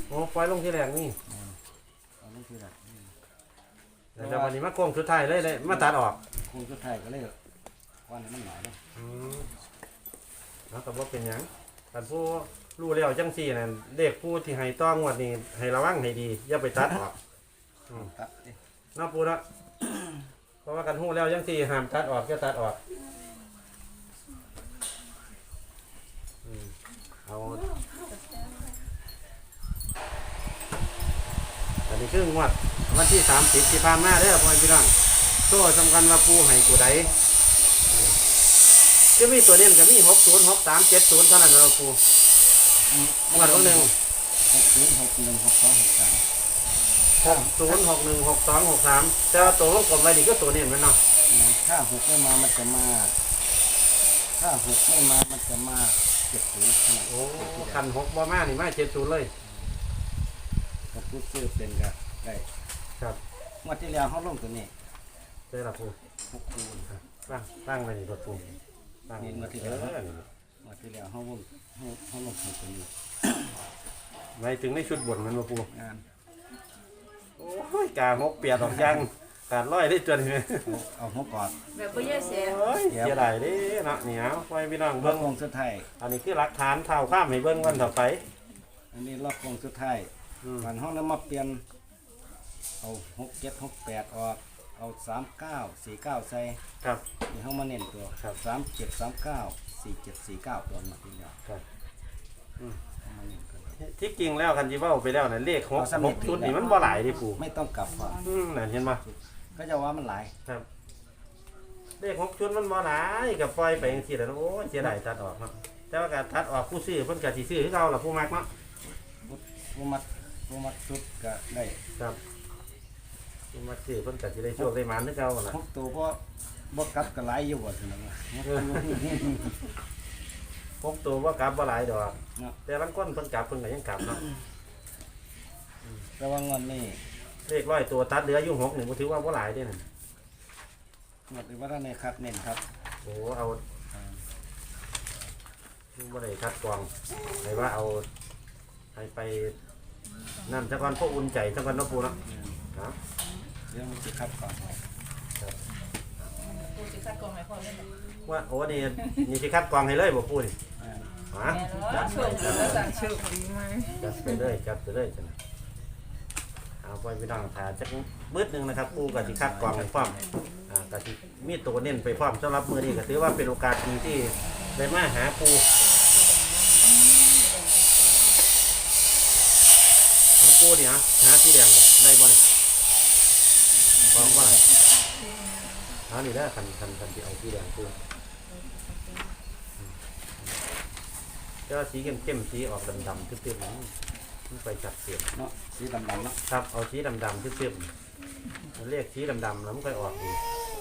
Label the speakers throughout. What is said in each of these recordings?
Speaker 1: โอ้ปล่อยลงที่แรกนี่
Speaker 2: เอาลงที่แรก
Speaker 1: แต่วันนี้มาโค้งสุดท้ายเลยมาตัดออก
Speaker 2: โค้งสุดท้ายก็เลยวันนี้มันหน่อยนะ
Speaker 1: แล้วก็บ่เป็นหยังกันผู้รู้แล้วจังซี่นั่นเด็กผู้ที่ให้ต้องงวดนี้ให้ระวังให้ดีอย่าไปตัดออก
Speaker 2: ตัด
Speaker 1: น้าปูเนาะเพราะว่ากันฮู้แล้วจังซี่ห้ามตัดออกอย่าตัดออกเอาอันนี้คืองวดวันที่30ที่ผ่านมาเด้อพ่อพี่น้องตัวสำคัญว่าปูให้ตัวใดก็มีตัวเด่นก็มี60 63 70เท่านั้นเราปูงวดวันหนึ่ง60616263แต่ตัววงกลมไว้นี่ก็ตัวเด่นมันเนาะ
Speaker 2: ถ้า6ไม่มามันจะมาถ้า6ไม่มามันจะมา70
Speaker 1: โอ้คัน6บ่มานี่มา70เลย
Speaker 2: กับผู้ซื้อเป็นก็ได้
Speaker 1: ครับ
Speaker 2: งวดที่แล้วเขาลงตัวนี้
Speaker 1: ได้ละปู
Speaker 2: 6คูณ
Speaker 1: ครับตั้งไว้นี่ตัวปูตั้ง
Speaker 2: งวดที่แล้วเขาลงตัวนี้
Speaker 1: หมายถึงในชุดบนมันมาปู
Speaker 2: งาน
Speaker 1: โอ้ยกา6เปียดออกยังการร้อยได้จน
Speaker 2: เอาหัวกอด
Speaker 3: แบบบ่เยอะเสีย
Speaker 1: เสียดายเด้เนาะเหนียวไว้พี่น้อง
Speaker 2: เบิ้งวงสุดท้าย
Speaker 1: อันนี้คือหลักฐานเท่าข้ามให้เบิ้งวันต่อไป
Speaker 2: อันนี้รอบวงสุดท้ายวันห้องแล้วมาเปลี่ยนเอา6 7 6 8ออกเอา3 9 4 9ใส่
Speaker 1: ครับ
Speaker 2: นี่ห้องมาเน้นตัว3 7 3 9 4 7 4 9ตัวมาทีเดียว
Speaker 1: ครับที่จริงแล้วคันจีว่าไปแล้วนะเลข6ชุดนี่มันบ่หลายดิปู่
Speaker 2: ไม่ต้องกลับก่อน
Speaker 1: นั่นเห็นป่ะ
Speaker 2: ก็จะว่ามันหลาย
Speaker 1: ครับเลข6ชุดมันบ่หลายกับปล่อยไปอย่างที่แล้วโอ้เสียดายตัดออกเนาะแต่ว่าการตัดออกผู้ซื้อเพิ่นก็สิซื้อคือเก่าล่ะผู้มักเนาะ
Speaker 2: ผู้มัดชุดก็ได้
Speaker 1: ครับผู้มักซื้อเพิ่นก็สิได้โชคได้หมานคือเก่าล่ะ
Speaker 2: 6ตัวบ่กลับก็หลายอยู่บ่ซั่นน่ะ
Speaker 1: พกตัวว่ากลับบ่หลายดอกแต่บางคนเพิ่นกลับเพิ่นก็ยังกลับเนาะ
Speaker 2: ระวังวันนี้
Speaker 1: เลข100ตัวตัดเหลืออยู่6นี่บ่ถือว่าบ่หลายเด้นั่น
Speaker 2: หมดว่าท่านในคัดเน้นครับ
Speaker 1: โอ้เอาบ่ได้คัดกรองให้ว่าเอาให้ไปนั่นซะก่อนพวกอุ่นใจซะก่อนเนาะปู่เนาะครับ
Speaker 2: เรื่องมันสิคัดก่อน
Speaker 3: ครับปู่สิคัดกรองให้พ่อได้
Speaker 1: ว่าโอ้นี่สิคัดกรองให้เลยบ่ปู่นี่ฮะ
Speaker 3: จัด
Speaker 1: ไปเลยจังเอาไปพี่น้องถ่ายจักมืดนึงนะครับปู่ก็สิคัดกรองให้พร้อมก็สิมีตัวเน้นไปพร้อมสำหรับมื้อนี้ก็ถือว่าเป็นโอกาสดีที่ได้มาหาปู่ปูเนี่ยหาสีแดงได้บ่เนี่ยบอกว่าหานี่ได้คันที่เอาสีแดงปูก็สีเข้มสีออกดำๆทึบๆมันไปจับเสียบ
Speaker 2: เนาะสีดำๆเนาะ
Speaker 1: ครับเอาสีดำๆทึบๆมันเรียกสีดำๆแล้วมันค่อยออกดี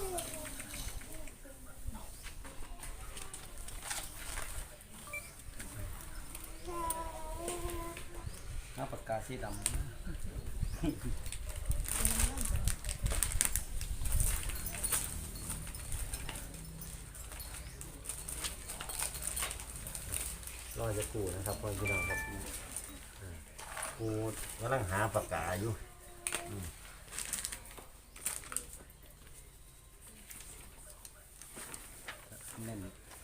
Speaker 2: ปากกาสีดำ
Speaker 1: รอจะกูนะครับพ่อพี่น้องครับกูกำลังหาปากกาอยู่
Speaker 2: เน้น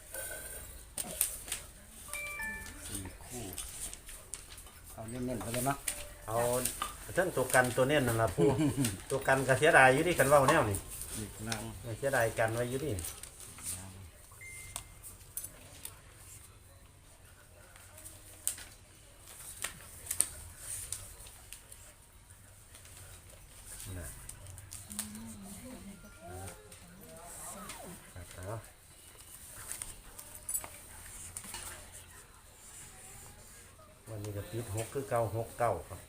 Speaker 2: 4 คู่เอาเน้นๆไปเลยเนาะ
Speaker 1: เอาเส้นตัวกันตัวเน้นนั่นแหละผู้ตัวกันก็เสียดายอยู่ดิกันว่าแนวนี่เสียดายกันไว้อยู่ดิวันนี้ก็ติด6คือเก่า6 9ครับ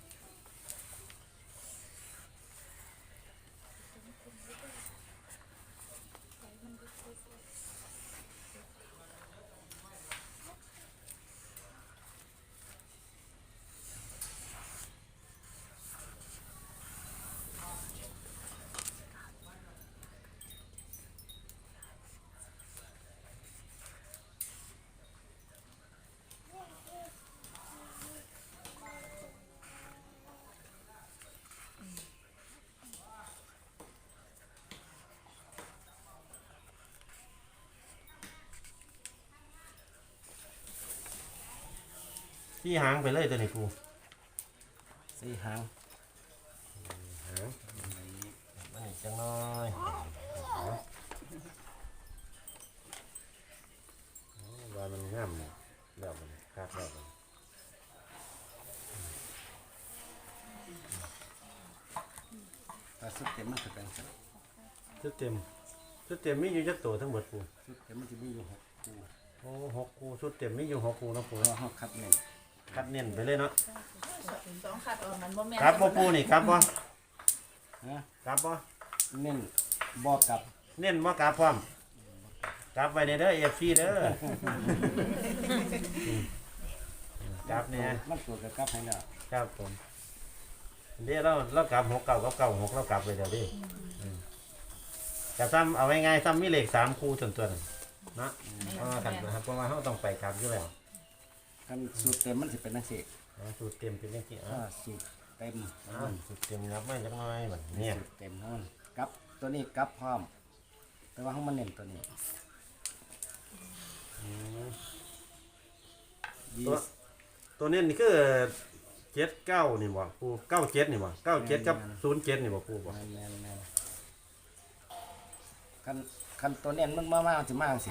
Speaker 1: สี่หางไปเลยตัวนี้ปู
Speaker 2: สี่หาง
Speaker 1: หางมันอีกจังน้อยว่ามันงามเนี่ยแล้วมันครับแล้วมัน
Speaker 2: แต่สุดเต็มมันจะเป็นสุด
Speaker 1: ชุดเต็มชุดเต็มมีอยู่จักตัวทั้งหมดปู
Speaker 2: เต็มมันจะมีอยู่6 คู่
Speaker 1: โอ้6 คู่ชุดเต็มมีอยู่6 คู่นะปู
Speaker 2: เพราะว่าเขาคัดเน้น
Speaker 1: คัดเน้นไปเลยเนาะ
Speaker 3: ต้องคัดออกมันบ่แม่น
Speaker 1: ครับบ่ปูนี่ครับบ่
Speaker 2: นะ
Speaker 1: ครับบ่
Speaker 2: เน้นบอกกับ
Speaker 1: เน้นบ่กราบพร้อมกราบไว้ในเด้อ FC เด้อ กราบเนี่ย
Speaker 2: มันตัวกับกับให้แล้ว
Speaker 1: ครับผมเดี๋ยวเรากลับ6 9กับ9 6เรากลับไปเดี๋ยวดิแต่ซ้ำเอาไว้ง่ายซ้ำมีเลข3 คู่ส่วนตัวนั่นเนาะเพราะว่ากันนะครับเพราะว่าเราต้องไปกลับอยู่แล้ว
Speaker 2: กันสูตรเต็มมันจะเป็นนักเสก
Speaker 1: สูตรเต็มเป็นยังไง
Speaker 2: ถ้าสูตรเต็ม
Speaker 1: สูตรเต็มครับไม่จักหน้อยแบบเนี่ย
Speaker 2: สูตรเต็มเท่านั้นกับตัวนี้กับพร้อม แต่ว่าเขามันเน้นตัวนี้
Speaker 1: ตัว ตัวนี้นี่คือ79นี่บ่ปู97นี่บ่97กับ07นี่บ่ปูบ่
Speaker 2: แมนคันตัวเน้นมันมากๆจะมากสิ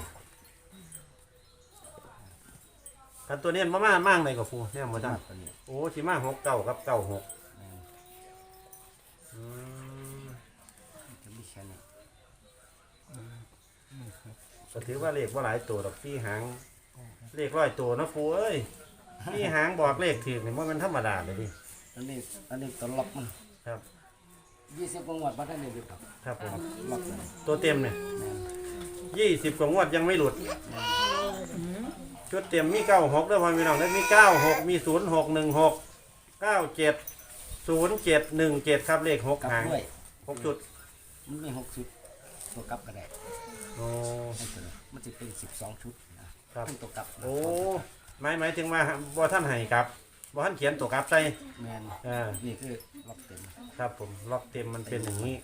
Speaker 1: กันตัวนี้มั่งเลยกับปูเนี่ยบ่
Speaker 2: มา
Speaker 1: จัง
Speaker 2: ตัวนี้
Speaker 1: โอ้สิมา69กับ96
Speaker 2: แม่น
Speaker 1: อืม
Speaker 2: จะมีแค่นี้
Speaker 1: ก็ถือว่าเลขบ่หลายตัวดอกพี่หางเลข100ตัวนะปูเอ้ยพี่หางบอกเลขถูกนี่บ่แม่นธรรมดาเลยดิ
Speaker 2: อันนี้ตัวล็อกมัน
Speaker 1: ครับ
Speaker 2: 20กว่าหมวดบัตรได้เลยครับ
Speaker 1: ครับผม
Speaker 2: ล็อกมัน
Speaker 1: ตัวเต็มเนี่ย
Speaker 2: แม่น
Speaker 1: 20กว่างวดยังไม่หลุดชุดเต็มมี96ด้วยพ่อพี่น้องได้มี96มี0616 97 0717ครับเลข6
Speaker 2: กับ
Speaker 1: หาง
Speaker 2: ด้วย
Speaker 1: 6 ชุด
Speaker 2: มันมี6ชุด ตัวกับก็ได้
Speaker 1: โอ้
Speaker 2: ให้ตัวนี้มันจะเป็น12ชุดนะครับ เป็นตัวกับ
Speaker 1: โอ้หมายถึงว่าบ่ท่านให้ครับบ่ท่านเขียนตัวกลับใส่
Speaker 2: แมน
Speaker 1: อ่า
Speaker 2: นี่คือล็อกเต็ม
Speaker 1: ครับผมล็อกเต็มมันเป็นอย่างนี้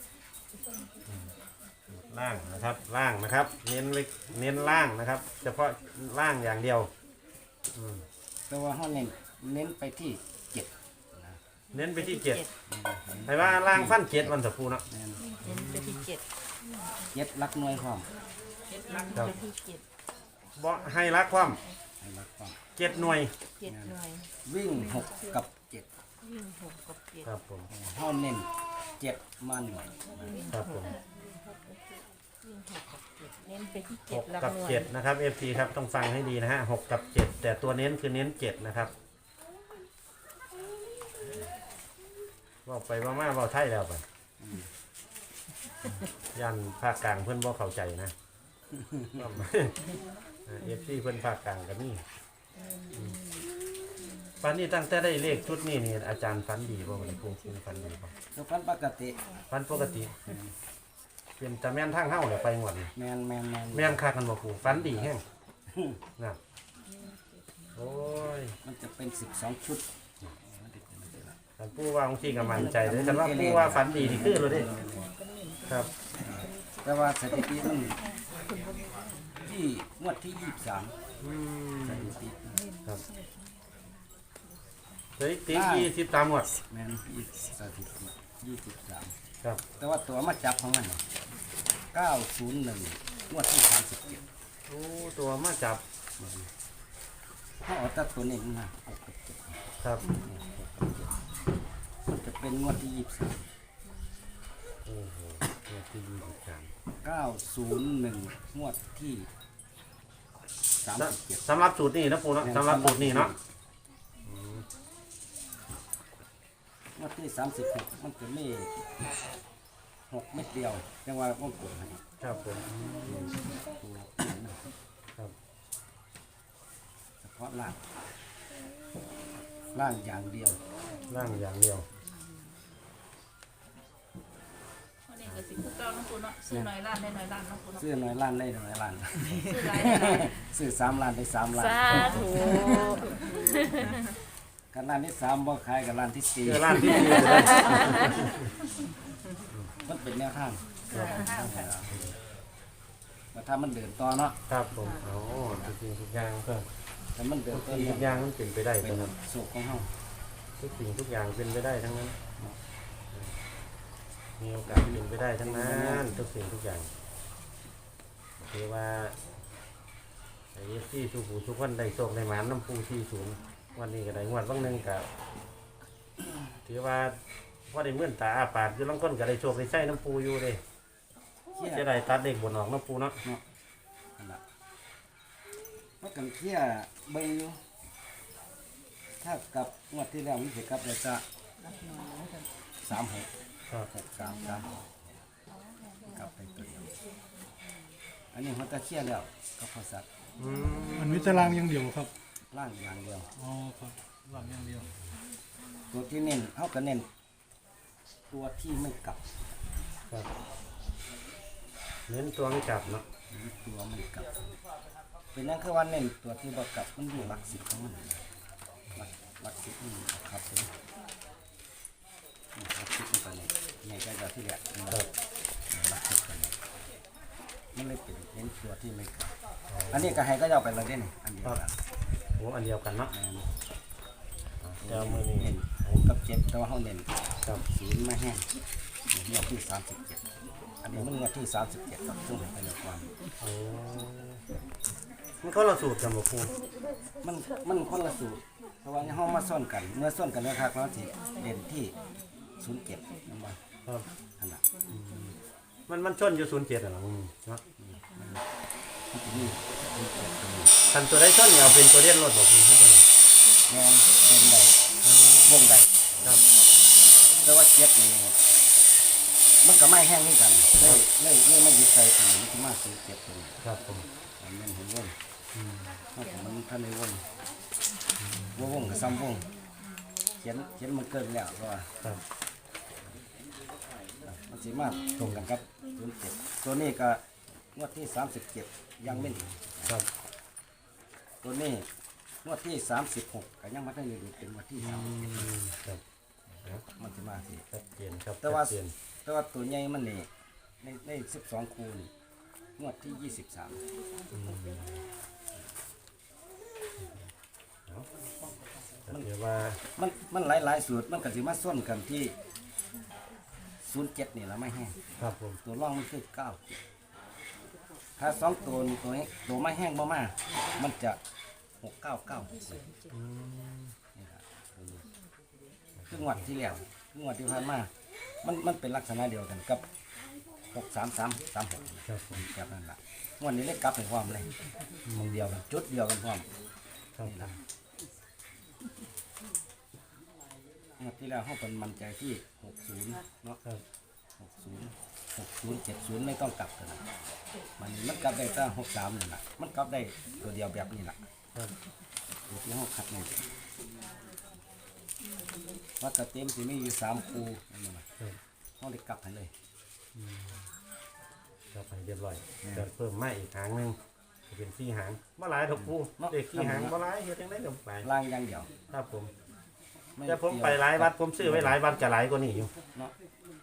Speaker 1: ล่างนะครับล่างนะครับ เน้นล่างนะครับ เฉพาะล่างอย่างเดียว
Speaker 2: แต่ว่าเขาเน้นไปที่7นะ
Speaker 1: เน้นไปที่7ให้ว่าล่างฟัน7วันสัปูเนาะ
Speaker 2: แมน
Speaker 3: เน้นไปที่7
Speaker 2: 7ลักหน่วยความ
Speaker 3: ลัก
Speaker 1: ครับ
Speaker 3: ไปที่7
Speaker 1: บ่ให้รักความ
Speaker 2: ให้ลักความ
Speaker 1: 7 หน่วย
Speaker 3: 7หน่วย
Speaker 2: วิ่ง6กับ7
Speaker 3: วิ่ง6กับ7
Speaker 1: ครับผม
Speaker 2: เขาเน้น7มาหน่วย
Speaker 1: ครับผม
Speaker 3: วิ่ง6กับ7เน้นไปที่
Speaker 1: 6
Speaker 3: 7ลัก
Speaker 1: กับ
Speaker 3: หน่วย
Speaker 1: 7นะครับ FC ครับต้องฟังให้ดีนะฮะ6กับ7แต่ตัวเน้นคือเน้น7นะครับบอกไปว่ามาบอกไทยแล้วไปยันภาคกลางเพื่อนบ่เข้าใจนะ FC เพื่อนภาคกลางกันนี่ฟันนี่ตั้งแต่ได้เลขชุดนี้นี่อาจารย์ฟันดีบ่วันนี้ครูฟันดีบ่
Speaker 2: ทุกคนปกติ
Speaker 1: ฟันปกติเป็นแต่แม่นทางเฮ้าเลยไปงวดนี่
Speaker 2: แมน
Speaker 1: แม่นคักกันบ่ครูฟันดีแห้งนะโอ้ย
Speaker 2: มันจะเป็น12ชุดมันจะเป็นแบบนี้
Speaker 1: ท่านผู้ว่าองค์ที่ก็มั่นใจเลยแต่ว่าผู้ว่าฝันดีนี่คือเลยเด้ครับ
Speaker 2: แต่ว่าสถิติมันที่งวดที่23สถิติ
Speaker 1: ครับเฮ้ยติ๊ก23หมด
Speaker 2: แมนสถิติ23
Speaker 1: ครับ
Speaker 2: แต่ว่าตัวมาจับของมันเนี่ย901งวดที่37
Speaker 1: โอ้ตัวมาจับ
Speaker 2: ถ้าเอาตัดตัวนี้มา
Speaker 1: ครับ
Speaker 2: มันจะเป็นงวดที่
Speaker 1: โอ้โหตัวที่23
Speaker 2: 901งวดที่37
Speaker 1: สำหรับสูตรนี้นะปูเนาะสำหรับสูตรนี้เนาะ
Speaker 2: งวดที่36มันจะมี6เม็ดเดียวจังว่าวงกลมให้
Speaker 1: ครับผม
Speaker 2: ตัวนะครับ เฉพาะล่างอย่างเดียว
Speaker 1: ร่างอย่างเดียว
Speaker 3: วันนี้ก็สิผู้เก่าน้องปูเนาะซื้อหน่อยล้านได้หน่อยล้านน้องปูเนาะ
Speaker 2: ซื้อน้อยล้านได้น้อยล้าน
Speaker 3: ซื้อหลายได้หลาย
Speaker 2: ซื้อ3ล้านได้3ล้าน
Speaker 3: สาธุ
Speaker 2: กันล้านที่3บ่ขายกับล้านที่
Speaker 1: เจอร่างที่ดีเลย
Speaker 2: 4มันเป็นแนวทางแต่ถ้ามันเดินต่อเนาะ
Speaker 1: ครับผมโอ้ทุกสิ่งทุกอย่างก็
Speaker 2: แต่มันเป็น
Speaker 1: ทุก
Speaker 2: ต้น
Speaker 1: สิ่งทุกอย่างมันเป็นไปได้
Speaker 2: เป็น
Speaker 1: นะครับ
Speaker 2: สุขของเฮา
Speaker 1: ทุกสิ่งทุกอย่างเป็นไปได้ทั้งนั้นมีโอกาสเป็นไปได้ทั้งนั้นทุกสิ่งทุกอย่างคือว่าไอ้ที่สุขูทุกคนได้โชคได้หมานน้ำปูที่สูงวันนี้ก็ได้งวดบางหนึงกับถือว่าว่าได้เมื่อนตาอาปากอยู่ลังก้นก็ได้โชคได้ใช้น้ำปูอยู่เลย
Speaker 2: เที่ย
Speaker 1: จะได้ตัดเด็กบนออกน้ำปูเนาะ
Speaker 2: นั่นล่ะมันกันเที่ยเบิ่งอยู่ถ้ากับงวดที่แล้วมันสิกลับได้จะ36
Speaker 1: ครับ
Speaker 2: 633กลับไปตัวเดียวอันนี้มันตะเคียแล้วก็พอสัตว์
Speaker 1: อืม
Speaker 4: มันมีตารางอย่างเดียวครับ
Speaker 2: ล่างอย่างเดียว
Speaker 4: อ๋อครับรางอย่างเดียว
Speaker 2: ตัวที่เน้นเฮาก็เน้นตัวที่ไม่กลับ
Speaker 1: ครับเน้นตัวไม่จับเนาะ
Speaker 2: ตัวไม่กลับ เป็นนั่นคือว่าเน้นตัวที่บ่กลับมันอยู่หลัก10ของมันหลัก10นี่ครับผมหลัก10นี่ก็เนี่ยใหญ่ก็ที่แหละ
Speaker 1: ครับ
Speaker 2: หลัก10กันเนี่ยมันเลยเป็นเน้นตัวที่ไม่กลับ อันนี้ก็ให้ก็จะเอาไปเลยได้นี่อันเดียวกัน
Speaker 1: โอ้อันเดียวกันเนาะ
Speaker 2: เดี๋ยวมือนี้เน้น6กับ7แต่ว่าเฮาเน้น
Speaker 1: ครับ
Speaker 2: 0มาแห้งงวดที่37อันนี้มันงวดที่37ครับซึ่งให้ไปแล้วก่อน
Speaker 1: โอ้มันก็เราสูตรกันบ่ปู
Speaker 2: มันคนละสูตรเพราะว่าเฮามาซ่อนกันเมื่อซ่อนกันแล้วครับเราสิเด่นที่07นำบ่
Speaker 1: ครับ
Speaker 2: อันน่ะ
Speaker 1: มันชนอยู่07อ่ะเนาะเนาะ
Speaker 2: มันจะมี07ตัวนี้
Speaker 1: คันตัวได้ชนเนี่ยเอาเป็นตัวเลียนรถบ่ปูให้กัน
Speaker 2: แม่นเด่นได้วงได้
Speaker 1: ครับ
Speaker 2: แต่ว่า7นี่มันก็ไม่แห้งนี่กันเลยมายึดใจตัวนี้มันสิมา07ตัวนี้
Speaker 1: ครับผม
Speaker 2: อันนั้นเห็นวงเฮาก็มันทันได้วงวงก็ซ้ำวงเขียนมันเกินแล้วเพราะว่า
Speaker 1: ครับ
Speaker 2: มันสิมาตรงกันครับ07ตัวนี้ก็งวดที่37ยังไม่ถึง
Speaker 1: ครับ
Speaker 2: ตัวนี้งวดที่36ก็ยังมาได้อยู่เป็นงวดที่
Speaker 1: ครับ
Speaker 2: 37มันสิมาสิ
Speaker 1: ชัดเจนครับ
Speaker 2: แต่ว่า
Speaker 1: ชัดเจน
Speaker 2: แต่ว่าตัวใหญ่มันนี่ใน12คูนี่งวดที่23
Speaker 1: ก็ถือว่า
Speaker 2: มันหลายสูตรมันก็สิมาส้นกันที่07นี่ละไม่แห้ง
Speaker 1: ครับผม
Speaker 2: ตัวร่องมันคือ9ถ้า2ตัวนี่ตัวไม่แห้งบ่มามันจะ699นี่ล่ะตัวนี้คืองวดที่แล้วคืองวดที่ผ่านมามันเป็นลักษณะเดียวกันกับ63336
Speaker 1: ครับผม
Speaker 2: แบบนั้นล่ะงวดนี้เลยกลับไปพร้อมเลยมองเดียวกันจุดเดียวกันพร้อม
Speaker 1: ครับ
Speaker 2: นี่ล่ะงวดที่แล้วเฮาเป็นมั่นใจที่60เนาะ
Speaker 1: ครับ
Speaker 2: 60 70ไม่ต้องกลับกันนะมันกลับได้ตั้ง63นี่ล่ะมันกลับได้ตัวเดียวแบบนี้ล่ะ
Speaker 1: ครับ
Speaker 2: ตัวที่เฮาคัดนี่ว่าจะเต็มสิมีอยู่3คู่นั่นน่ะ
Speaker 1: ครับ
Speaker 2: เฮาได้กลับให้เลย
Speaker 1: ครับไปเรียบร้อยจะเพิ่มมาอีกหางหนึงจะเป็น4หางบ่หลายดอกปูเด็ก4หางบ่หลายเฮ็ดจังได๋ก็ไป
Speaker 2: ล่างอย่างเดียว
Speaker 1: ครับผม
Speaker 2: ไม่
Speaker 1: แต่ผมไปหลายวัดผมซื้อไว้หลายวัดจะหลายกว่านี้อยู่
Speaker 2: เนาะ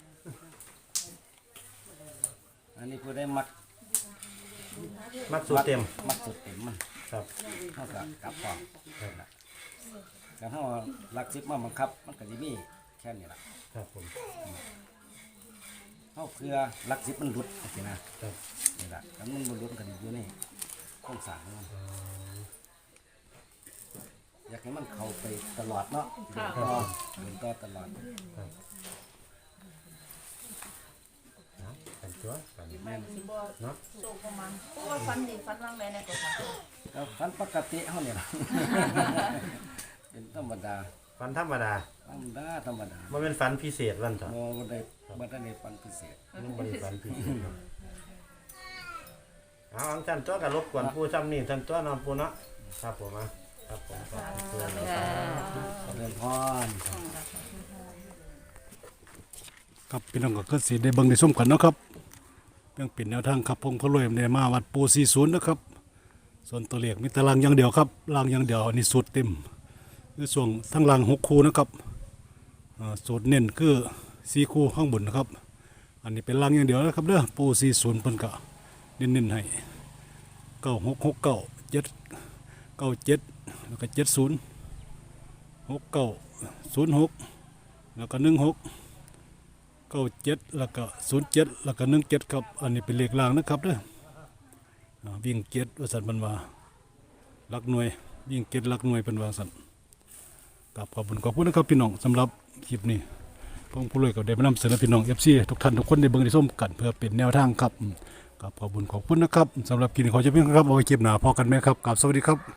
Speaker 2: อันนี้ผู้ได้มัก
Speaker 1: มักสูตรเต็ม
Speaker 2: มักสุดเต็มมัน
Speaker 1: ครับ
Speaker 2: เท่ากับกลับพร้อม
Speaker 1: ครับ
Speaker 2: แต่ถ้าว่าหลัก10มาบังคับมันก็สิมีแค่นี้ล่ะ
Speaker 1: ครับผม
Speaker 2: เฮาเพื่อหลัก10มันหลุดจังซี่นะครับ นี่ล่ะถ้ามันบ่หลุดมันก็อยู่ในโครงสร้างของมันอยากให้มันเข้าไปตลอดเนาะเดินต่อตลอด
Speaker 1: เอาเป็นตัวกัน
Speaker 3: แม่นสิบ่
Speaker 1: เนาะ
Speaker 3: โชคประมาณเพราะว่าฟันนี่ฟันวางไว้ในกระเป๋า
Speaker 2: แล้วฟันปกติเฮาเนี่ยล่ะ เป็นธรรมดา
Speaker 1: ฟันธรรมดา
Speaker 2: ธรรมดา
Speaker 1: มันเป็นฟันพิเศษวันต่อ
Speaker 2: บ่ได้ฟันพิเศษ
Speaker 1: มันบริฟันพิเศษเนาะเอาอังจันตัวกับรบกวนผู้จำนี่จันตัวนอนปูเนาะครับผมครับผมครับ
Speaker 2: เดินพร
Speaker 4: ครับพี่น้องก็สิได้เบิ่งได้ชมกันเนาะครับเรื่องเป็นแนวทางครับพงพะรวยในมาวัดปู40นะครับส่วนตัวเลขมีตารางอย่างเดียวครับรางอย่างเดียวอันนี้สูตรเต็มคือส่วนทั้งราง6คู่นะครับสูตรเน้นคือ4คู่ข้างบนนะครับอันนี้เป็นรางอย่างเดียวนะครับเด้อปู40เพิ่นก็เน้นๆให้9669 797 แล้วก็70 69 06แล้วก็16 97แล้วก็07แล้วก็17ครับอันนี้เป็นเลขล่างนะครับเด้อวิ่ง7ว่าซั่นเพิ่นว่าหลักหน่วยวิ่ง7หลักหน่วยเพิ่นว่าซั่นครับขอบคุณนะครับพี่น้องสำหรับคลิปนี้ผมผู้รวยก็ได้มานำเสนอพี่น้อง FC ทุกท่านทุกคนได้เบิ่งได้ชมกันเพื่อเป็นแนวทางครับครับขอบคุณนะครับสำหรับคลิปนี้ขอจบเพียงเท่านี้ครับเอาไว้คลิปหน้าพอกันไหมครับสวัสดีครับ